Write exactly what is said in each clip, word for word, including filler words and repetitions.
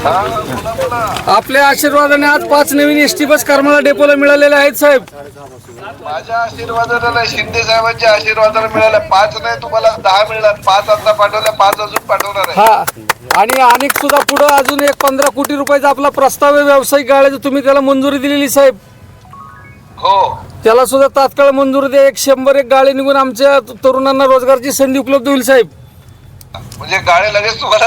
आपल्या आशीर्वादाने आज पाच नवीन एस टी बस करमाळा डेपोला मिळालेल्या आहेत साहेब. माझ्या आशीर्वादाने नाही, शिंदे साहेबांच्या आशीर्वादाने मिळाल्या. पाच नाही, तुम्हाला दहा मिळणार. पाच आता पाठवल्या, पाच अजून पाठवणार आहे. हा, आणि अनेक सुद्धा पुढे अजून एक पंधरा कोटी रुपयाचा आपला प्रस्ताव आहे व्यावसायिक गाड्याचा, तुम्ही त्याला मंजुरी दिलेली साहेब. हो, त्याला सुद्धा तात्काळ मंजुरी द्या. एक शंभर एक गाडी निघून आमच्या तरुणांना रोजगारची संधी उपलब्ध होईल साहेब. म्हणजे गाड्या लगेच तुम्हाला.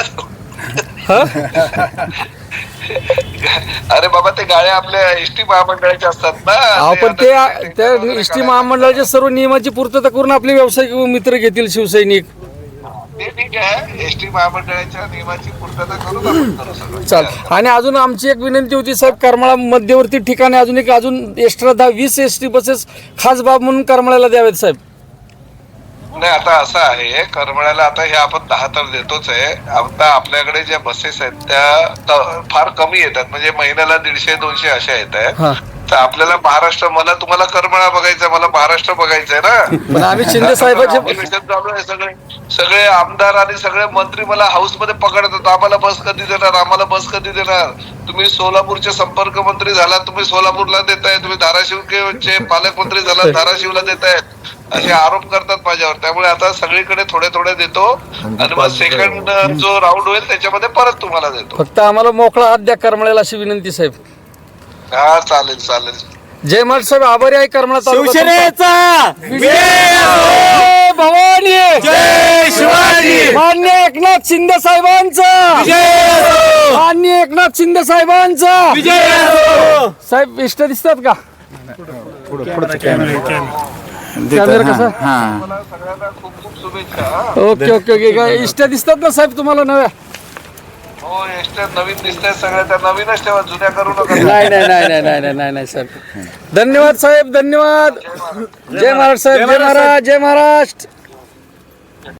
अरे बाबा, ते गाड्या आपल्या एसटी महामंडळाच्या असतात ना. आपण ते त्या एस टी महामंडळाच्या सर्व नियमाची पूर्तता करून आपले व्यावसायिक मित्र घेतील शिवसैनिक. ते ठीक आहे, एसटी महामंडळाच्या नियमाची पूर्तता करून आपण करू सगळं. चाल. आणि अजून आमची एक विनंती होती साहेब, करमाळा मध्यवर्ती ठिकाणी अजून एक अजून एक्स्ट्रा दहा वीस एस टी बसेस खास बाब म्हणून करमाळ्याला द्यावेत साहेब. नाही, आता असं आहे, करमाळ्याला आता हे आपण दहा तर देतोच आहे. आता आपल्याकडे ज्या बसेस आहेत त्या त- फार कमी येतात, म्हणजे महिन्याला दीडशे दोनशे अशा येत आहेत. हा. तर आपल्याला महाराष्ट्र, मला तुम्हाला करमाळा बघायचंय, मला महाराष्ट्र बघायचंय ना. पण आम्ही शिंदे साहेबांचे अधिवेशन चालू आहे, सगळे सगळे आमदार आणि सगळे मंत्री मला हाऊस मध्ये पकडतात. आम्हाला बस कधी देणार, आम्हाला बस कधी देणार. तुम्ही सोलापूरचे संपर्क मंत्री झाला, तुम्ही सोलापूरला देताय. तुम्ही धाराशिवचे पालकमंत्री झाला, धाराशिवला देतायत. असे आरोप करतात माझ्यावर. त्यामुळे आता सगळीकडे थोडे थोडे देतो आणि मग सेकंड जो राऊंड होईल त्याच्यामध्ये परत तुम्हाला देतो. फक्त आम्हाला मोकळा हात द्या करमाळ्याला अशी विनंती साहेब. हा, चालेल चालेल. जय महाराज साहेब, आभारी आहे करमाळा तालुका. शिवसेनेचा जय भवानी, जय शिवाजी, मान्य एकनाथ शिंदे साहेबांचा, मान्य एकनाथ शिंदे साहेबांचा. साहेब इष्ट दिसतात का? कॅमेरा कसा? मला सगळ्यांना खूप खूप शुभेच्छा. हा. Okay okay okay. काय इष्ट दिसतात ना साहेब तुम्हाला नव्या? हो, एसट्या नवीन दिसतंय सगळ्या, त्या नवीनच ठेवा, जुन्या करू नका. नाही नाही नाही नाही नाही नाही नाही नाही साहेब. धन्यवाद साहेब, धन्यवाद. जय महाराज साहेब, जय महाराज, जय महाराष्ट्र.